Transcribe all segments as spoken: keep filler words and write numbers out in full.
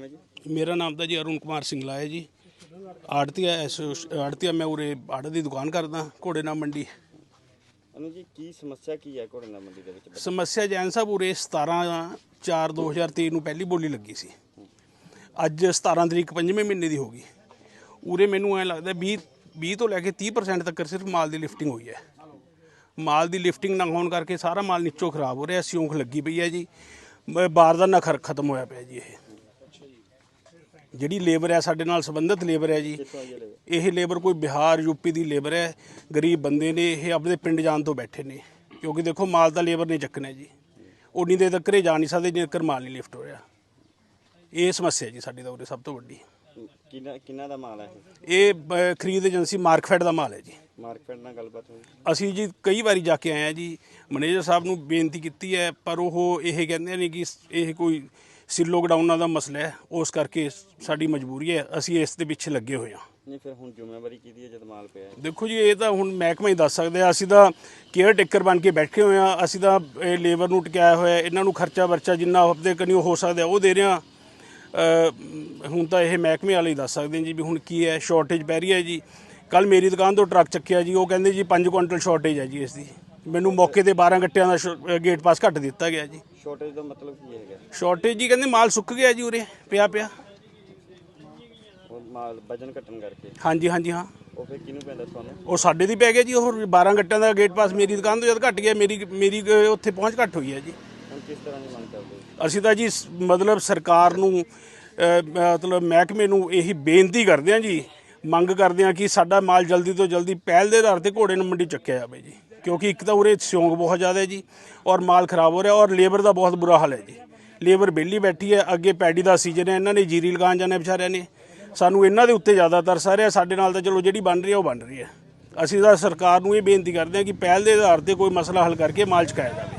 नाम है जी? मेरा नाम ਤਾਂ ਜੀ ਅਰੁਣ ਕੁਮਾਰ ਸਿੰਗਲਾ ਹੈ ਜੀ। ਆੜਤੀਆ ਆੜਤੀਆ ਮੈਂ ਉਰੇ ਆੜਤ ਦੀ ਦੁਕਾਨ ਕਰਦਾ ਘੋੜੇ ਨਾਲ ਮੰਡੀ। ਅਨੂ ਜੀ ਕੀ ਸਮੱਸਿਆ ਕੀ ਹੈ ਘੋੜੇ ਨਾਲ ਮੰਡੀ ਦੇ ਵਿੱਚ? ਸਮੱਸਿਆ ਜੈਨ ਸਾਹਿਬ ਉਰੇ ਸਤਾਰਾਂ ਚਾਰ ਦੋ ਹਜ਼ਾਰ ਤੇਈ ਨੂੰ ਪਹਿਲੀ ਬੋਲੀ ਲੱਗੀ ਸੀ। ਅੱਜ ਸਤਾਰਾਂ ਤਰੀਕ ਪੰਜਵੇਂ ਮਹੀਨੇ ਦੀ ਹੋ ਗਈ। ਉਰੇ ਮੈਨੂੰ ਐਂ ਲੱਗਦਾ ਵੀਹ ਵੀਹ ਤੋਂ ਲੈ ਕੇ ਤੀਹ ਪਰਸੈਂਟ ਤੱਕ ਸਿਰਫ ਮਾਲ ਦੀ ਲਿਫਟਿੰਗ ਹੋਈ ਹੈ। ਮਾਲ ਦੀ ਲਿਫਟਿੰਗ ਨਾ ਹੋਣ ਕਰਕੇ ਸਾਰਾ ਮਾਲ ਨੀਚੋਂ ਖਰਾਬ ਹੋ ਰਿਹਾ। ਸਿਉਂਖ ਲੱਗੀ ਪਈ ਹੈ ਜੀ। ਬਾਰਦਾਨਾ ਖਰ ਖਤਮ ਹੋਇਆ ਪਿਆ ਜੀ। ਇਹ ਜਿਹੜੀ ਲੇਬਰ ਹੈ ਸਾਡੇ ਨਾਲ ਸੰਬੰਧਿਤ ਲੇਬਰ ਹੈ ਜੀ। ਇਹ ਲੇਬਰ ਕੋਈ ਬਿਹਾਰ ਯੂਪੀ ਦੀ ਲੇਬਰ ਹੈ। ਗਰੀਬ ਬੰਦੇ ਨੇ ਇਹ ਆਪਣੇ ਪਿੰਡ ਜਾਣ ਤੋਂ ਬੈਠੇ ਨੇ ਕਿਉਂਕਿ ਦੇਖੋ ਮਾਲ ਤਾਂ ਲੇਬਰ ਨੇ ਚੱਕਣਾ ਜੀ। ਉਨੀ ਦੇਰ ਤੱਕ ਘਰੇ ਜਾ ਨਹੀਂ ਸਕਦੇ ਜੇਕਰ ਮਾਲ ਨਹੀਂ ਲਿਫਟ ਹੋ ਰਿਹਾ। ਇਹ ਸਮੱਸਿਆ ਜੀ ਸਾਡੀ ਤਾਂ ਉਰੇ ਸਭ ਤੋਂ ਵੱਡੀ। ਕਿੰਨਾ ਕਿੰਨਾ ਦਾ ਮਾਲ ਹੈ ਇਹ ਖਰੀਦ ਏਜੰਸੀ ਮਾਰਕਫੈਡ ਦਾ ਮਾਲ ਹੈ ਜੀ। ਮਾਰਕਫੈਡ ਨਾਲ ਗੱਲਬਾਤ ਹੋਈ? ਅਸੀਂ ਜੀ ਕਈ ਵਾਰੀ ਜਾ ਕੇ ਆਏ ਹਾਂ ਜੀ। ਮੈਨੇਜਰ ਸਾਹਿਬ ਨੂੰ ਬੇਨਤੀ ਕੀਤੀ ਹੈ ਪਰ ਉਹ ਇਹ ਕਹਿੰਦੇ ਨੇ ਕਿ ਇਹ ਕੋਈ ਸਿੱਲੋ ਗਡਾਊਨਾਂ ਦਾ ਮਸਲਾ ਹੈ, ਉਸ ਕਰਕੇ ਸਾਡੀ ਮਜਬੂਰੀ ਹੈ। ਅਸੀਂ ਇਸ ਦੇ ਪਿੱਛੇ ਲੱਗੇ ਹੋਏ ਹਾਂ। ਨਹੀਂ ਫਿਰ ਹੁਣ ਜ਼ਿੰਮੇਵਾਰੀ ਕਿਹਦੀ ਹੈ ਜਦ ਮਾਲ ਪਿਆ ਹੈ? ਦੇਖੋ ਜੀ ਇਹ ਤਾਂ ਹੁਣ ਮਹਿਕਮਾ ਹੀ ਦੱਸ ਸਕਦੇ ਆ। ਅਸੀਂ ਤਾਂ ਕੇਅਰ ਟੇਕਰ ਬਣ ਕੇ ਬੈਠੇ ਹੋਏ ਹਾਂ। ਅਸੀਂ ਤਾਂ ਇਹ ਲੇਬਰ ਨੂੰ ਟਿਕਾਇਆ ਹੋਇਆ, ਇਹਨਾਂ ਨੂੰ ਖਰਚਾ ਵਰਚਾ ਜਿੰਨਾ ਹਫ਼ਤੇ ਕਨੀ ਹੋ ਸਕਦਾ ਉਹ ਦੇ ਰਹੇ ਹਾਂ। ਹੁਣ ਤਾਂ ਇਹ ਮਹਿਕਮੇ ਵਾਲੇ ਹੀ ਦੱਸ ਸਕਦੇ ਜੀ ਵੀ ਹੁਣ ਕੀ ਹੈ। ਸ਼ਾਰਟੇਜ ਪੈ ਰਹੀ ਹੈ ਜੀ। ਕੱਲ ਮੇਰੀ ਦੁਕਾਨ ਤੋਂ ਟਰੱਕ ਚੱਕਿਆ ਜੀ, ਉਹ ਕਹਿੰਦੇ ਜੀ ਪੰਜ ਕੁਇੰਟਲ ਸ਼ਾਰਟੇਜ ਹੈ ਜੀ ਇਸ ਦੀ। ਮੈਨੂੰ ਮੌਕੇ ਤੇ ਬਾਰਾਂ ਗੱਟਿਆਂ ਦਾ ਗੇਟ ਪਾਸ ਘੱਟ ਦਿੱਤਾ ਗਿਆ ਜੀ। ਸ਼ਾਰਟੇਜ ਦਾ ਮਤਲਬ ਕੀ ਹੈਗਾ? ਸ਼ਾਰਟੇਜ ਜੀ ਕਹਿੰਦੇ ਮਾਲ ਸੁੱਕ ਗਿਆ ਜੀ ਉਰੇ ਪਿਆ ਪਿਆ। ਉਹ ਮਾਲ ਵਜਨ ਘਟਣ ਕਰਕੇ? ਹਾਂਜੀ ਹਾਂਜੀ ਹਾਂ। ਉਹ ਫਿਰ ਕਿਹਨੂੰ ਪੈਂਦਾ ਤੁਹਾਨੂੰ? ਉਹ ਸਾਡੇ ਦੀ ਪੈ ਗਿਆ ਜੀ। ਉਹ ਬਾਰਾਂ ਗੱਟਿਆਂ ਦਾ ਗੇਟ ਪਾਸ ਮੇਰੀ ਦੁਕਾਨ ਤੋਂ ਜਦ ਘੱਟ ਗਿਆ ਮੇਰੀ ਮੇਰੀ ਉੱਥੇ ਪਹੁੰਚ ਘੱਟ ਹੋਈ ਹੈ ਜੀ। ਹੁਣ ਕਿਸ ਤਰ੍ਹਾਂ ਦੀ ਮੰਗ ਕਰਦੇ ਹੋ? ਅਸੀਂ ਤਾਂ ਜੀ ਮਤਲਬ ਸਰਕਾਰ ਨੂੰ ਮਤਲਬ ਮਹਿਕਮੇ ਨੂੰ ਇਹੀ ਬੇਨਤੀ ਕਰਦੇ ਹਾਂ ਜੀ, ਮੰਗ ਕਰਦੇ ਹਾਂ ਕਿ ਸਾਡਾ ਮਾਲ ਜਲਦੀ ਤੋਂ ਜਲਦੀ ਪਹਿਲ ਦੇ ਆਧਾਰ 'ਤੇ ਘੋੜੇ ਨੂੰ ਮੰਡੀ ਚੱਕਿਆ ਜਾਵੇ ਜੀ। ਕਿਉਂਕਿ ਇੱਕ ਤਾਂ ਉਰੇ ਸਿਉਂਕ ਬਹੁਤ ਜ਼ਿਆਦਾ ਹੈ ਜੀ ਔਰ ਮਾਲ ਖਰਾਬ ਹੋ ਰਿਹਾ ਔਰ ਲੇਬਰ ਦਾ ਬਹੁਤ ਬੁਰਾ ਹਾਲ ਹੈ ਜੀ। ਲੇਬਰ ਵਿਹਲੀ ਬੈਠੀ ਹੈ। ਅੱਗੇ ਪੈਡੀ ਦਾ ਸੀਜ਼ਨ ਹੈ, ਇਹਨਾਂ ਨੇ ਜੀਰੀ ਲਗਾਉਣ ਜਾਣਾ ਵਿਚਾਰਿਆਂ ਨੇ। ਸਾਨੂੰ ਇਹਨਾਂ ਦੇ ਉੱਤੇ ਜ਼ਿਆਦਾ ਤਰਸ ਆ ਰਿਹਾ। ਸਾਡੇ ਨਾਲ ਤਾਂ ਚਲੋ ਜਿਹੜੀ ਬਣ ਰਹੀ ਹੈ ਉਹ ਬਣ ਰਹੀ ਹੈ। ਅਸੀਂ ਤਾਂ ਸਰਕਾਰ ਨੂੰ ਇਹ ਬੇਨਤੀ ਕਰਦੇ ਹਾਂ ਕਿ ਪਹਿਲ ਦੇ ਆਧਾਰ 'ਤੇ ਕੋਈ ਮਸਲਾ ਹੱਲ ਕਰਕੇ ਮਾਲ ਚੁਕਾਇਆ ਜਾਵੇ।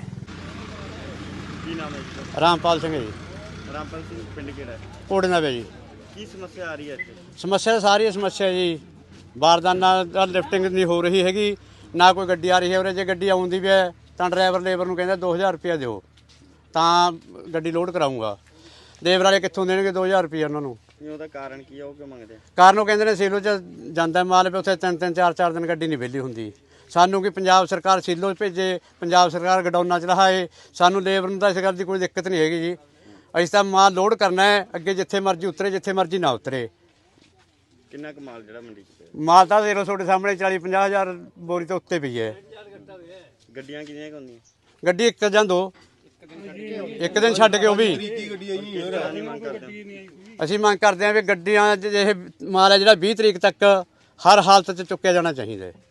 ਕੀ ਨਾਮ ਹੈ ਜੀ? ਰਾਮਪਾਲ ਸਿੰਘ ਜੀ। ਰਾਮਪਾਲ ਸਿੰਘ ਪਿੰਡ ਕਿਹੜਾ ਹੈ? ਕੋੜੇ ਨਾਲ ਜੀ। ਕੀ ਸਮੱਸਿਆ ਆ ਰਹੀ ਹੈ ਇੱਥੇ? ਸਮੱਸਿਆ ਸਾਰੀ ਸਮੱਸਿਆ ਜੀ। ਬਾਰਦਾਨਾ ਦਾ ਲਿਫਟਿੰਗ ਨਹੀਂ ਹੋ ਰਹੀ ਹੈਗੀ, ਨਾ ਕੋਈ ਗੱਡੀ ਆ ਰਹੀ ਹੈ ਉਰੇ। ਜੇ ਗੱਡੀ ਆਉਂਦੀ ਵੀ ਹੈ ਤਾਂ ਡਰਾਈਵਰ ਲੇਬਰ ਨੂੰ ਕਹਿੰਦਾ ਦੋ ਹਜ਼ਾਰ ਰੁਪਇਆ ਦਿਓ ਤਾਂ ਗੱਡੀ ਲੋਡ ਕਰਾਊਂਗਾ। ਲੇਬਰ ਵਾਲੇ ਕਿੱਥੋਂ ਦੇਣਗੇ ਦੋ ਹਜ਼ਾਰ ਰੁਪਇਆ ਉਹਨਾਂ ਨੂੰ? ਉਹਦਾ ਕਾਰਨ ਕੀ ਹੈ? ਉਹ ਕਿਉਂ ਮੰਗਦੇ? ਕਾਰਨ ਉਹ ਕਹਿੰਦੇ ਨੇ ਸੀਲੋ 'ਚ ਜਾਂਦਾ ਮਾਲ ਵੀ ਉੱਥੇ ਤਿੰਨ ਤਿੰਨ ਚਾਰ ਚਾਰ ਦਿਨ ਗੱਡੀ ਨਹੀਂ ਵਿਹਲੀ ਹੁੰਦੀ। ਸਾਨੂੰ ਕਿ ਪੰਜਾਬ ਸਰਕਾਰ ਸੀਲੋ 'ਚ ਭੇਜੇ, ਪੰਜਾਬ ਸਰਕਾਰ ਗਡਾਊਨਾਂ 'ਚ ਰਹਾਏ। ਸਾਨੂੰ ਲੇਬਰ ਨੂੰ ਤਾਂ ਇਸ ਗੱਲ ਦੀ ਕੋਈ ਦਿੱਕਤ ਨਹੀਂ ਹੈਗੀ ਜੀ। ਅਸੀਂ ਤਾਂ ਮਾਲ ਲੋਡ ਕਰਨਾ ਹੈ, ਅੱਗੇ ਜਿੱਥੇ ਮਰਜ਼ੀ ਉਤਰੇ, ਜਿੱਥੇ ਮਰਜ਼ੀ ਨਾ ਉਤਰੇ। ਕਿੰਨਾ ਕੁ ਮਾਲ ਜਿਹੜਾ ਮੰਡੀ 'ਚ ਪਿਆ? ਮਾਲ ਤਾਂ ਦੇਖ ਲਓ ਤੁਹਾਡੇ ਸਾਹਮਣੇ ਚਾਲੀ ਪੰਜਾਹ ਹਜ਼ਾਰ ਬੋਰੀ ਤੋਂ ਉੱਤੇ ਪਈ ਹੈ। ਗੱਡੀਆਂ ਕਿੰਨੀਆਂ ਕੁ ਹੁੰਦੀਆਂ? ਗੱਡੀ ਇੱਕ ਜਾਂ ਦੋ, ਇੱਕ ਦਿਨ ਛੱਡ ਕੇ ਉਹ ਵੀ। ਅਸੀਂ ਮੰਗ ਕਰਦੇ ਹਾਂ ਵੀ ਗੱਡੀਆਂ ਇਹ ਮਾਲ ਹੈ ਜਿਹੜਾ ਵੀਹ ਤਰੀਕ ਤੱਕ ਹਰ ਹਾਲਤ 'ਚ ਚੁੱਕਿਆ ਜਾਣਾ ਚਾਹੀਦਾ ਹੈ।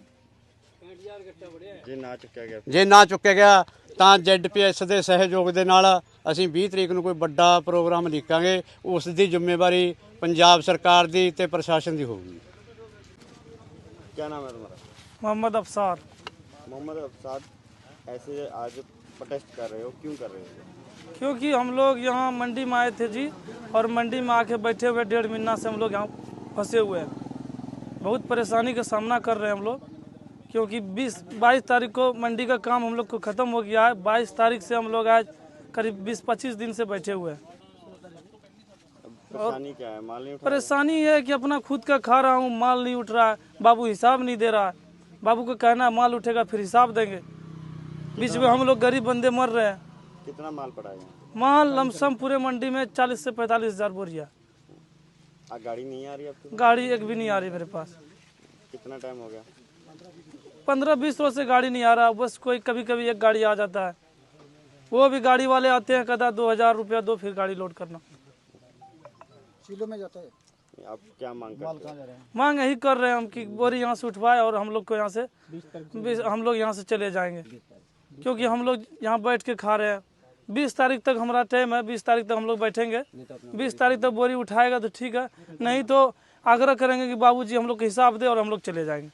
ਜੇ ਨਾ ਚੁੱਕਿਆ ਗਿਆ? ਜੇ ਨਾ ਚੁੱਕਿਆ ਗਿਆ ਤਾਂ ਜ਼ੈਡ ਪੀ ਐਸ ਦੇ ਸਹਿਯੋਗ ਦੇ ਨਾਲ ਅਸੀਂ ਵੀਹ ਤਰੀਕ ਨੂੰ ਕੋਈ ਵੱਡਾ ਪ੍ਰੋਗਰਾਮ ਲਿਖਾਂਗੇ। ਉਸ ਦੀ ਜ਼ਿੰਮੇਵਾਰੀ ਪੰਜਾਬ ਸਰਕਾਰ ਦੀ ਤੇ ਪ੍ਰਸ਼ਾਸਨ ਦੀ ਹੋਊਗੀ। क्या नाम है तुम्हारा? मोहम्मद अफसार। मोहम्मद अफसार, ऐसे आज प्रोटेस्ट कर रहे हो, क्यों कर रहे हो? क्योंकि हम लोग यहाँ मंडी में आए थे जी और मंडी में आके बैठे हुए डेढ़ महीना से हम लोग यहाँ फंसे हुए हैं। बहुत परेशानी का सामना कर रहे हैं हम लोग क्योंकि बीस बाईस तारीख को मंडी का काम हम लोग को ख़त्म हो गया है। बाईस तारीख से हम लोग आज करीब बीस पच्चीस दिन से बैठे हुए हैं। परेशानी क्या है? माल नहीं उठा? परेशानी ये है कि अपना खुद का खा रहा हूँ, माल नहीं उठ रहा है। बाबू हिसाब नहीं दे रहा है। बाबू को कहना है माल उठेगा फिर हिसाब देंगे। बीच में हम लोग गरीब बंदे मर रहे हैं। कितना माल पड़ा है? माल लमसम पूरे मंडी में चालीस से पैंतालीस हजार बोरिया। गाड़ी नहीं आ रही आपकी? गाड़ी एक भी नहीं आ रही मेरे पास। कितना टाइम हो गया? पंद्रह बीस रोज से गाड़ी नहीं आ रहा। बस कोई कभी कभी एक गाड़ी आ जाता है, वो भी गाड़ी वाले आते हैं, कहता दो हजार रुपया दो फिर गाड़ी लोड करना। किलो में जाता है। आप क्या मांग करते हैं? मांग यही कर रहे हैं हम कि बोरी यहाँ से उठवाए और हम लोग को यहाँ से हम लोग यहाँ से चले जाएंगे क्योंकि हम लोग यहाँ बैठ के खा रहे हैं। बीस तारीख तक हमारा टाइम है। बीस तारीख तक हम लोग बैठेंगे। बीस तारीख तक बोरी उठाएगा तो ठीक है, नहीं तो आग्रह करेंगे कि बाबूजी हम लोग को हिसाब दे और हम लोग चले जाएंगे।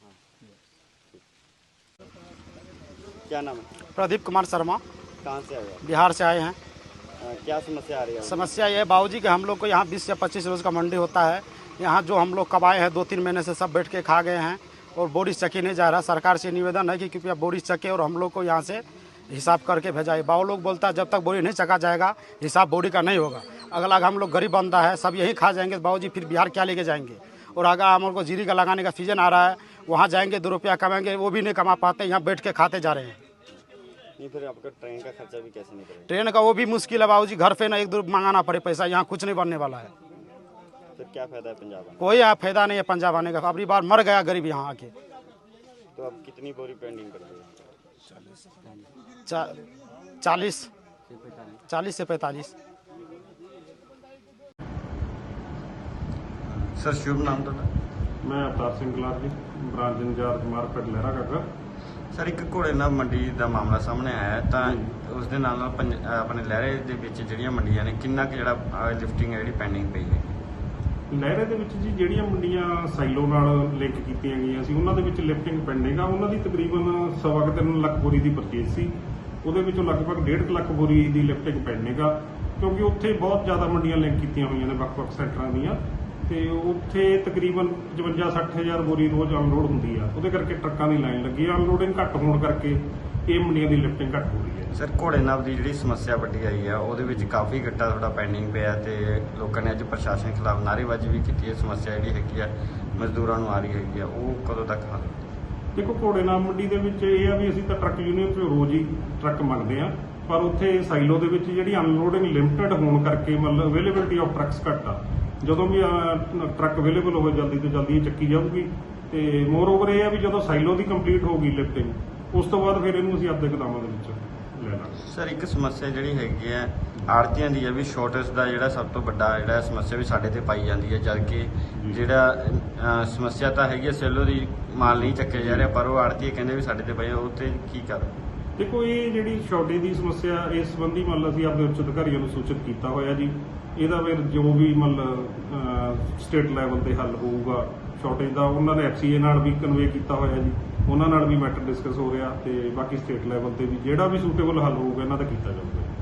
क्या नाम है? प्रदीप कुमार शर्मा। कहाँ से आए आप? बिहार से आए हैं। आ, क्या समस्या आ रही है? समस्या ये है बाबूजी कि हम लोग को यहाँ बीस या पच्चीस रोज़ का मंडी होता है। यहाँ जो हम लोग कमाए हैं दो तीन महीने से सब बैठ के खा गए हैं और बोरी चक्की नहीं जा रहा। सरकार से निवेदन है कि कृपया बोरी चक्के और हम लोग को यहाँ से हिसाब करके भेजाए। बाबू लोग बोलता है जब तक बोरी नहीं चका जाएगा हिसाब बोरी का नहीं होगा। अगला हम लोग गरीब बंदा है, सब यही खा जाएंगे, बाबूजी फिर बिहार क्या लेके जाएंगे। और अगर हम को जीरी का लगाने का सीजन आ रहा है, वहाँ जाएंगे दो रुपया कमाएंगे, वो भी नहीं कमा पाते, यहाँ बैठ के खाते जा रहे हैं। नहीं फिर आपका ट्रेन का खर्चा भी कैसे निकलेगा? ट्रेन का वो भी मुश्किल है बाबूजी, घर पे ना एक दो मंगाना पड़े पैसा, यहाँ कुछ नहीं बनने वाला है। फिर क्या फायदा है पंजाब आने कोई यहाँ फायदा नहीं है पंजाब आने का, अगली बार मर गया गरीब यहाँ आके। का? तो अब कितनी बोरी पेंडिंग कर दी? चा, चालीस चालीस से पैंतालीस। सर शुभ नाम तो मैं Avtar Singh Galar ji, branch incharge market Lehra Kaka. Sir ਇੱਕ ਘੋੜੇ ਨਾਲ ਮੰਡੀ ਦਾ ਮਾਮਲਾ ਸਾਹਮਣੇ ਆਇਆ ਹੈ, ਤਾਂ ਉਸ ਦੇ ਨਾਲ ਨਾਲ ਪੰਜ- ਅਹ ਆਪਣੇ ਲਹਿਰੇ ਦੇ ਵਿੱਚ ਜਿਹੜੀਆਂ ਮੰਡੀਆਂ ਨੇ ਕਿੰਨਾ ਕੁ ਜਿਹੜਾ ਲਿਫਟਿੰਗ ਹੈ ਜਿਹੜੀ ਪੈਂਡਿੰਗ ਪਈ ਹੈ? ਲਹਿਰੇ ਦੇ ਵਿੱਚ ਜੀ ਜਿਹੜੀਆਂ ਮੰਡੀਆਂ ਸਾਈਲੋ ਨਾਲ ਲਿੰਕ ਕੀਤੀਆਂ ਗਈਆਂ ਸੀ ਉਹਨਾਂ ਦੇ ਵਿੱਚ ਲਿਫਟਿੰਗ ਪੈਂਡਿੰਗ ਆ। ਉਹਨਾਂ ਦੀ ਤਕਰੀਬਨ ਸਵਾ ਕੁ ਤਿੰਨ ਲੱਖ ਬੋਰੀ ਦੀ ਪਰਚੇਜ਼ ਸੀ, ਉਹਦੇ ਵਿੱਚੋਂ ਲਗਭਗ ਡੇਢ ਲੱਖ ਬੋਰੀ ਦੀ ਲਿਫਟਿੰਗ ਪੈਂਡਿੰਗ ਆ, ਕਿਉਂਕਿ ਉੱਥੇ ਬਹੁਤ ਜ਼ਿਆਦਾ ਮੰਡੀਆਂ ਲਿੰਕ ਕੀਤੀਆਂ ਹੋਈਆਂ ਨੇ ਵੱਖ-ਵੱਖ ਸੈਕਟਰਾਂ ਦੀਆਂ, ਤੇ ਉੱਥੇ ਤਕਰੀਬਨ ਪਚਵੰਜਾ ਸੱਠ ਹਜ਼ਾਰ ਬੋਰੀ ਰੋਜ਼ ਅਨਲੋਡ ਹੁੰਦੀ ਆ, ਉਹਦੇ ਕਰਕੇ ਟਰੱਕਾਂ ਦੀ ਲਾਈਨ ਲੱਗੀ ਆ। ਅਨਲੋਡਿੰਗ ਘੱਟ ਹੋਣ ਕਰਕੇ ਇਹ ਮੰਡੀਆਂ ਦੀ ਲਿਫਟਿੰਗ ਘੱਟ ਹੋ ਰਹੀ ਹੈ। ਸਰ ਘੋੜੇ ਨਾਲ ਦੀ ਜਿਹੜੀ ਸਮੱਸਿਆ ਵੱਡੀ ਆਈ ਆ, ਉਹਦੇ ਵਿੱਚ ਕਾਫੀ ਗੱਟਾ ਤੁਹਾਡਾ ਪੈਂਡਿੰਗ ਪਿਆ, ਤੇ ਲੋਕਾਂ ਨੇ ਅੱਜ ਪ੍ਰਸ਼ਾਸਨ ਖਿਲਾਫ ਨਾਅਰੇਬਾਜ਼ੀ ਵੀ ਕੀਤੀ ਹੈ। ਸਮੱਸਿਆ ਜਿਹੜੀ ਹੈਗੀ ਆ ਮਜ਼ਦੂਰਾਂ ਨੂੰ ਆ ਰਹੀ ਹੈਗੀ ਆ, ਉਹ ਕਦੋਂ ਤੱਕ ਹੱਲ? ਦੇਖੋ ਘੋੜੇ ਨਾਲ ਮੰਡੀ ਦੇ ਵਿੱਚ ਇਹ ਆ ਵੀ ਅਸੀਂ ਤਾਂ ਟਰੱਕ ਯੂਨੀਅਨ ਤੋਂ ਰੋਜ਼ ਹੀ ਟਰੱਕ ਮੰਗਦੇ ਆ, ਪਰ ਉੱਥੇ ਸਾਈਲੋ ਦੇ ਵਿੱਚ ਜਿਹੜੀ ਅਨਲੋਡਿੰਗ ਲਿਮਟਿਡ ਹੋਣ ਕਰਕੇ ਮਤਲਬ ਅਵੇਲੇਬਿਲਿਟੀ ਆਫ ਟਰੱਕਸ ਘੱਟ ਆ। ਜਦੋਂ ਵੀ ਅਹ, ਟਰੱਕ ਅਵੇਲੇਬਲ ਹੋਵੇ ਜਲਦੀ ਤੋਂ ਜਲਦੀ ਇਹ ਚੱਕੀ ਜਾਊਗੀ। ਤੇ ਮੋਰ ਓਵਰ ਇਹ ਆ ਵੀ ਜਦੋਂ ਸਾਈਲੋ ਦੀ ਕੰਪਲੀਟ ਹੋਊਗੀ ਲਿਫਟਿੰਗ, ਉਸ ਤੋਂ ਬਾਅਦ ਫਿਰ ਇਹਨੂੰ ਅਸੀਂ ਆਪਦੇ ਗੋਦਾਮਾਂ ਦੇ ਵਿੱਚ ਲੈ ਲਾਂਗੇ। ਸਰ ਇੱਕ ਸਮੱਸਿਆ ਜਿਹੜੀ ਹੈਗੀ ਆ ਆੜਤੀਆਂ ਦੀ ਹੈ ਵੀ ਸ਼ਾਰਟੇਜ ਦਾ ਜਿਹੜਾ ਸਭ ਤੋਂ ਵੱਡਾ ਜਿਹੜਾ ਸਮੱਸਿਆ ਵੀ ਸਾਡੇ ਤੇ ਪਾਈ ਜਾਂਦੀ ਹੈ, ਜਦ ਕਿ ਜਿਹੜਾ ਅਹ, ਸਮੱਸਿਆ ਤਾਂ ਹੈਗੀ ਆ ਸੈਲੋ ਦੀ ਮਾਲ ਨਹੀਂ ਚੱਕਿਆ ਜਾ ਰਿਹਾ, ਪਰ ਉਹ ਆੜਤੀ ਕਹਿੰਦੇ ਵੀ ਸਾਡੇ ਤੇ ਪਈ, ਉਹ ਤੇ ਕੀ ਕਰ? ਦੇਖੋ ਇਹ ਜਿਹੜੀ ਸ਼ਾਰਟੇਜ ਦੀ ਸਮੱਸਿਆ ਇਸ ਸੰਬੰਧੀ ਮਤਲਬ ਅਸੀਂ ਆਪਣੇ ਉੱਚ ਅਧਿਕਾਰੀਆਂ ਨੂੰ ਸੂਚਿਤ ਕੀਤਾ ਹੋਇਆ ਜੀ। ਇਹਦਾ ਫਿਰ ਜੋ ਵੀ ਮਤਲਬ ਸਟੇਟ ਲੈਵਲ ਤੇ ਹੱਲ ਹੋਊਗਾ ਸ਼ਾਰਟੇਜ ਦਾ, ਉਹਨਾਂ ਨੇ ਐਫ ਸੀ ਏ ਨਾਲ ਵੀ ਕਨਵੇ ਕੀਤਾ ਹੋਇਆ ਜੀ, ਉਹਨਾਂ ਨਾਲ ਵੀ ਮੈਟਰ ਡਿਸਕਸ ਹੋ ਰਿਹਾ, ਤੇ ਬਾਕੀ ਸਟੇਟ ਲੈਵਲ ਤੇ ਵੀ ਜਿਹੜਾ ਵੀ ਸੂਟੇਬਲ ਹੱਲ ਹੋਊਗਾ ਇਹਨਾਂ ਦਾ ਕੀਤਾ ਜਾਊਗਾ।